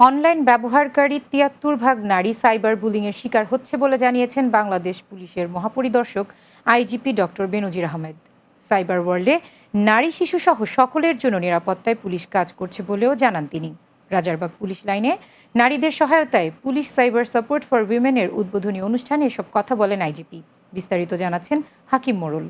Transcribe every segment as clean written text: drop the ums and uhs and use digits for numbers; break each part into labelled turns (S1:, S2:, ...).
S1: Online ব্যবহারকারী ৭৩% নারী cyber বুলিংয়ের শিকার হচ্ছে বলে জানিয়েছেন বাংলাদেশ পুলিশের মহাপরিদর্শক IGP doctor Benazir Ahmed. Cyber ওয়ার্ল্ডে নারী শিশুসহ সকলের জন্য নিরাপত্তায় পুলিশ কাজ করছে বলেও জানান তিনি। রাজারবাগ পুলিশ লাইনে নারীদের সহায়তায় পুলিশ সাইবার সাপোর্ট ফর উইমেনের উদ্বোধনী অনুষ্ঠানে এসব কথা বলেন আইজিপি। বিস্তারিত জানাচ্ছেন হাকিম মোড়ল।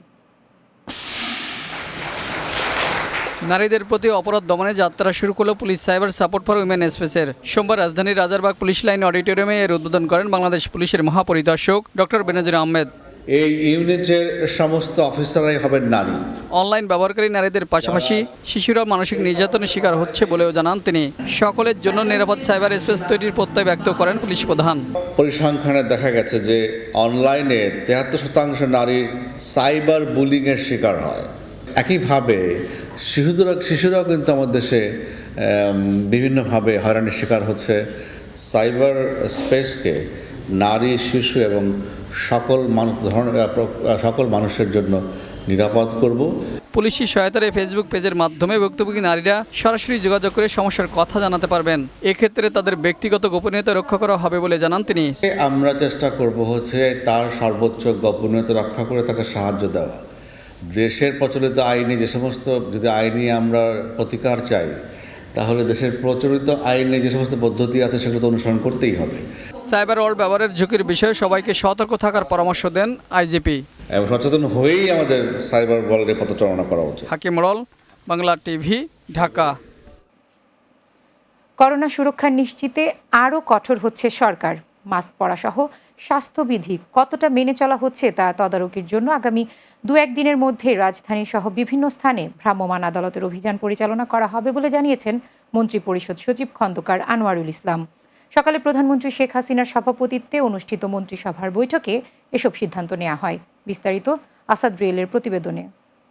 S2: নারীদের প্রতি অপরাধ দমনে যাত্রা শুরু করল police cyber support for women স্পেসের। সোমবার রাজধানীর রাজারবাগ পুলিশ লাইন অডিটোরিয়ামে এর উদ্বোধন করেন বাংলাদেশ পুলিশের মহাপরিদর্শক ডক্টর বেনজির আহমেদ।
S3: এই ইউনিটের সমস্ত অফিসাররাই হবেন নারী।
S2: অনলাইন ব্যবহারকারী নারীদের পাশাপাশি শিশুরা মানসিক নির্যাতনের শিকার হচ্ছে বলেও জানান তিনি। সকলের জন্য নিরাপদ সাইবার স্পেস তৈরির প্রত্যয় ব্যক্ত করেন পুলিশ প্রধান।
S3: পরিসংখ্যানে দেখা গেছে যে অনলাইনে ৭৩% নারী সাইবার বুলিংয়ের শিকার হয়। একইভাবে শিশুরাও কিন্তু আমাদের দেশে বিভিন্নভাবে হয়রানির শিকার হচ্ছে। সাইবার স্পেসকে নারী, শিশু এবং সকল মানুষের জন্য নিরাপদ করব।
S2: পুলিশি সহায়তার ফেসবুক পেজের মাধ্যমে ভুক্তভোগী নারীরা সরাসরি যোগাযোগ করে সমস্যার কথা জানাতে পারবেন। এক্ষেত্রে তাদের ব্যক্তিগত গোপনীয়তা রক্ষা করা হবে বলে জানান তিনি।
S3: আমরা চেষ্টা করব তার সর্বোচ্চ গোপনীয়তা রক্ষা করে তাকে সাহায্য দেওয়া। দেশের প্রচলিত আইনে যে সমস্ত, যদি আইনি আমরা প্রতিকার চাই, তাহলে দেশের প্রচলিত আইনে যে সমস্ত পদ্ধতি আছে সেগুলো তো অনুসরণ করতেই হবে।
S2: সাইবার ওয়ার্ল্ড ব্যবহারের ঝুঁকির বিষয়ে সবাইকে সতর্ক থাকার পরামর্শ দেন আইজিপি।
S3: এবং সচেতন হয়েই আমাদের সাইবার ওয়ার্ল্ডে পথচারণা করা উচিত।
S2: হাকিম মোড়ল, বাংলা টিভি, ঢাকা।
S1: করোনা সুরক্ষা নিশ্চিতে আরও কঠোর হচ্ছে সরকার। মাস্ক পরাসহ স্বাস্থ্যবিধি কতটা মেনে চলা হচ্ছে তা তদারকির জন্য আগামী ২-১ দিনের মধ্যে রাজধানী সহ বিভিন্ন স্থানে ভ্রাম্যমাণ আদালতের অভিযান পরিচালনা করা হবে বলে জানিয়েছেন মন্ত্রিপরিষদ সচিব খন্দকার আনোয়ারুল ইসলাম। সকালে প্রধানমন্ত্রী শেখ হাসিনার সভাপতিত্বে অনুষ্ঠিত মন্ত্রিসভার বৈঠকে এসব সিদ্ধান্ত নেওয়া হয়। বিস্তারিত আসাদ রিয়েলের প্রতিবেদনে।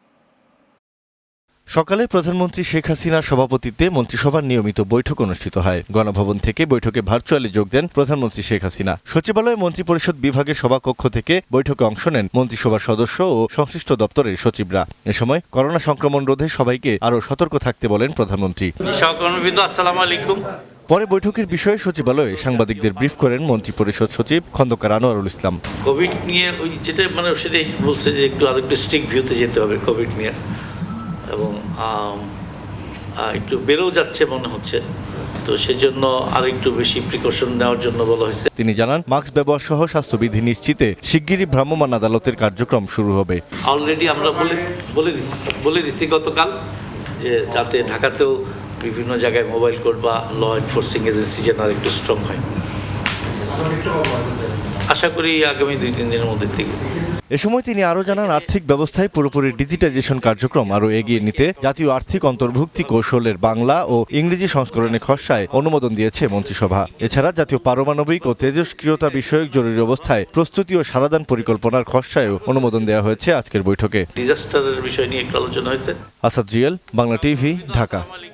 S4: সকালে প্রধানমন্ত্রী শেখ হাসিনার সভাপতিত্বে মন্ত্রিসভার নিয়মিত বৈঠক অনুষ্ঠিত হয়। গণভবন থেকে বৈঠকে ভার্চুয়ালি যোগ দেন প্রধানমন্ত্রী শেখ হাসিনা। সচিবালয়ে মন্ত্রিপরিষদ বিভাগের সভাকক্ষ থেকে বৈঠকে অংশ নেন মন্ত্রিসভার সদস্য ও সংশ্লিষ্ট দপ্তরের সচিবরা। এ সময় করোনা সংক্রমণ রোধে সবাইকে আরও সতর্ক থাকতে বলেন প্রধানমন্ত্রী। পরে বৈঠকের বিষয়ে সচিবালয়ে সাংবাদিকদের ব্রিফ করেন মন্ত্রিপরিষদ সচিব খন্দকার আনোয়ারুল ইসলাম।
S5: কোভিড নিয়ে যেটা সেটাই বলছে যে আরেকটু স্ট্রিক্ট ভিউতে যেতে হবে কোভিড নিয়ে, এবং একটু বেড়েও যাচ্ছে মনে হচ্ছে, তো সেজন্য আর একটু বেশি প্রিকশন নেওয়ার জন্য বলা হয়েছে।
S4: তিনি জানান, মাস্ক ব্যবহার সহ স্বাস্থ্যবিধি নিশ্চিতে শিগগিরই ভ্রাম্যমাণ আদালতের কার্যক্রম শুরু হবে।
S5: অলরেডি আমরা বলে দিছি গতকাল যে যাতে ঢাকাতেও বিভিন্ন জায়গায় মোবাইল কোর্ট বা ল এনফোর্সিং এজেন্সি যেন আর একটু স্ট্রং হয়। আশা করি আগামী 2-3 দিনের মধ্যে থেকে।
S4: এ সময় তিনি আরও জানান, আর্থিক ব্যবস্থায় পুরোপুরি ডিজিটাইজেশন কার্যক্রম আরও এগিয়ে নিতে জাতীয় আর্থিক অন্তর্ভুক্তি কৌশলের বাংলা ও ইংরেজি সংস্করণের খসড়ায় অনুমোদন দিয়েছে মন্ত্রিসভা। এছাড়া জাতীয় পারমাণবিক ও তেজস্ক্রিয়তা বিষয়ক জরুরি অবস্থায় প্রস্তুতি ও সারাদান পরিকল্পনার খসড়ায়ও অনুমোদন দেওয়া হয়েছে আজকের বৈঠকে।
S5: ডিজাস্টারের বিষয় নিয়ে একটু আলোচনা হয়েছে।
S4: আসাদ রিয়েল, বাংলা টিভি, ঢাকা।